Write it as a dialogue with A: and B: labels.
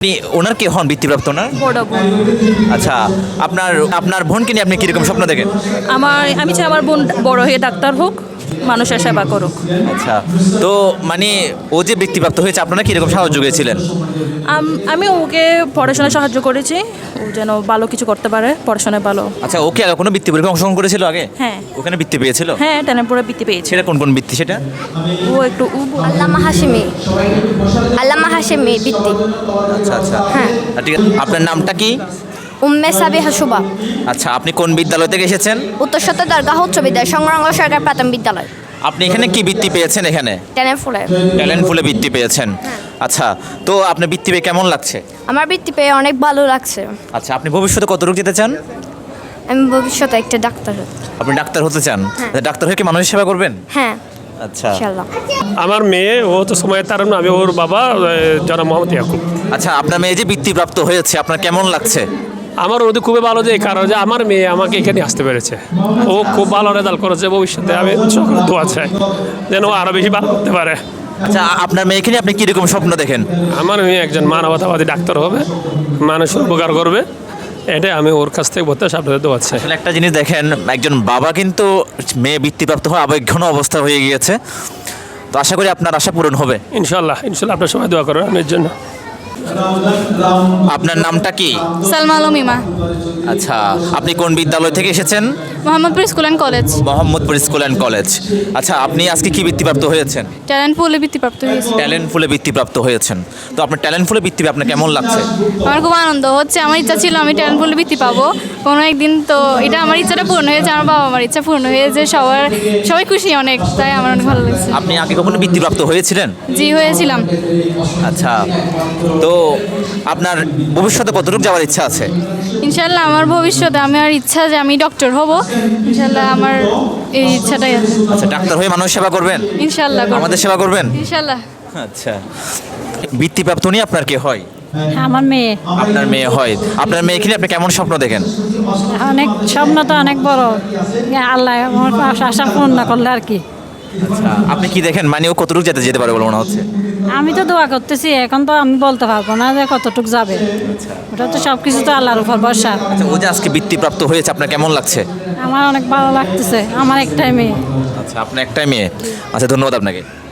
A: আপনি ওনার কে হন বৃত্তিপ্রাপ্ত না?
B: বড় বোন।
A: আচ্ছা, আপনার আপনার বোনকে নিয়ে আপনি কিরকম স্বপ্ন দেখেন?
B: আমি চাই আমার বোন বড় হয়ে ডাক্তার হোক, মানুষের সেবা করুক।
A: আচ্ছা, তো মানে ও যে বৃত্তিপ্রাপ্ত হয়েছে আপনারা কিরকম সাহায্য করেছিলেন?
B: আমি ওকে পড়াশোনায় সাহায্য করেছি, ও যেন ভালো কিছু করতে পারে, পড়াশোনায় ভালো।
A: আচ্ছা, ওকে কোনো বৃত্তি পরীক্ষা অংশগ্রহণ করেছিল আগে?
B: হ্যাঁ।
A: ওখানে বৃত্তি পেয়েছিল?
B: হ্যাঁ, টেনেপুরে বৃত্তি পেয়েছে।
A: সেটা কোন কোন বৃত্তি সেটা?
B: ও একটু
C: আল্লামা হাশেমি বৃত্তি।
A: আচ্ছা আচ্ছা,
C: হ্যাঁ।
A: ঠিক আছে, আপনার নামটা কি?
C: উম্মে সাবিহা শুভা,
A: আচ্ছা, আপনি কোন বিদ্যালয় থেকে এসেছেন?
C: উত্তর সত্য দরগাহ উচ্চ বিদ্যালয়, সংরঙ্গ সরকার প্রাথমিক বিদ্যালয়,
A: আপনি এখানে কি বৃত্তি পেয়েছেন? এখানে
C: টেনেফুলে।
A: ট্যালেন্ট ফুলে বৃত্তি পেয়েছেন। আচ্ছা, তো আপনার বৃত্তি পেয়ে কেমন লাগছে?
C: আমার বৃত্তি পেয়ে অনেক ভালো লাগছে।
A: আচ্ছা, আপনি ভবিষ্যতে কতটুকু যেতে চান?
C: আমি ভবিষ্যতে একটা ডাক্তার হতে।
A: আপনি ডাক্তার হতে চান?
C: হ্যাঁ।
A: ডাক্তার হয়ে কি মানুষের সেবা করবেন?
C: হ্যাঁ,
A: আচ্ছা
C: ইনশাআল্লাহ।
D: আমার মেয়ে ও তো সময় তার আমি ওর বাবা জনাব মোহাম্মদ ইয়াকুব।
A: আচ্ছা, আপনার মেয়ে যে বৃত্তিপ্রাপ্ত হয়েছে আপনার কেমন লাগছে?
D: আমার ওদের খুবই ভালো যে কারণ যে আমার মেয়ে আমাকে এখানে আসতে পেরেছে, ও খুব ভালো রেজাল্ট করেছে। ভবিষ্যতে আমি সকলের দোয়া চাই যেন ও আরও বেশি ভালো করতে পারে।
A: আচ্ছা, আপনার মেয়েকে নিয়ে আপনি কিরকম স্বপ্ন দেখেন?
D: আমার মেয়ে একজন মানবতাবাদী ডাক্তার হবে, মানুষের উপকার করবে, এটাই আমি ওর কাছ থেকে বলতে আপনাদের দোয়া চাই।
A: আসলে একটা জিনিস দেখেন, একজন বাবা কিন্তু মেয়ে বৃত্তিপ্রাপ্ত হওয়া আবেগঘন অবস্থা হয়ে গিয়েছে। তো আশা করি আপনার আশা পূরণ হবে।
D: ইনশাল্লাহ ইনশাল্লাহ, আপনার সবাই দোয়া করবেন আমার জন্য।
A: আপনার নামটা কি?
E: সালমা আলম ইমা,
A: আচ্ছা, আপনি কোন বিদ্যালয় থেকে এসেছেন?
E: Mohammadpur school and college,
A: Mohammadpur school and college. আচ্ছা, আপনি আজকে কি বৃত্তিপ্রাপ্ত হয়েছেন?
E: ট্যালেন্ট পুলে বৃত্তিপ্রাপ্ত হয়েছে।
A: ট্যালেন্ট ফুলে বৃত্তিপ্রাপ্ত হয়েছেন। তো আপনার ট্যালেন্ট ফুলে বৃত্তি পেয়ে আপনার কেমন লাগছে?
E: আমার খুব আনন্দ হচ্ছে, আমার ইচ্ছা ছিল আমি ট্যালেন্ট পুলে বৃত্তি পাবো কোনো একদিন, তো এটা আমার ইচ্ছাটা পূর্ণ হয়েছে, আমার বাবা আমার ইচ্ছা পূর্ণ হয়েছে, সবাই খুশি অনেক, তাই আমার অনেক ভালো লাগছে।
A: আপনি আগে কখনো বৃত্তিপ্রাপ্ত হয়েছিলেন?
E: জি, হয়েছিলাম।
A: আচ্ছা, তো আপনার ভবিষ্যতে কতটুকু যাওয়ার ইচ্ছা আছে?
E: ইনশাল্লাহ আমার ভবিষ্যতে আমার ইচ্ছা যে আমি ডক্টর হব, ইনশাল্লাহ আমার এই ইচ্ছাটাই আছে।
A: আচ্ছা, ডাক্তার হয়ে মানুষ সেবা করবেন?
E: ইনশাল্লাহ করব।
A: আমাদের সেবা করবেন?
E: ইনশাল্লাহ।
A: আচ্ছা, বৃত্তিপ্রাপ্ত নিয়ে আপনার কে হয়?
F: আমার মেয়ে
A: আপনার মেয়ে হয়। আপনার মেয়েকে নিয়ে আপনি কেমন স্বপ্ন দেখেন?
F: অনেক স্বপ্ন তো অনেক বড়, আল্লাহ আমার আশা পূর্ণ করলে আর কি।
A: আচ্ছা, আপনি কি দেখেন মানে ও কতটুকু যেতে যেতে পারে বলে মনে হচ্ছে?
F: আমি তো দোয়া করতেছি, এখন তো আমি বলতে পারবো না যে কতটুক যাবে, ওটা তো সব কিছু তো আল্লাহর উপর ভরসা।
A: আচ্ছা, ও যে আজকে বৃত্তিপ্রাপ্ত হয়েছে আপনার কেমন লাগছে?
F: আমার অনেক ভালো লাগতেছে, আমার একটাই মেয়ে।
A: আচ্ছা, আপনার একটাই মেয়ে। আচ্ছা, ধন্যবাদ আপনাকে।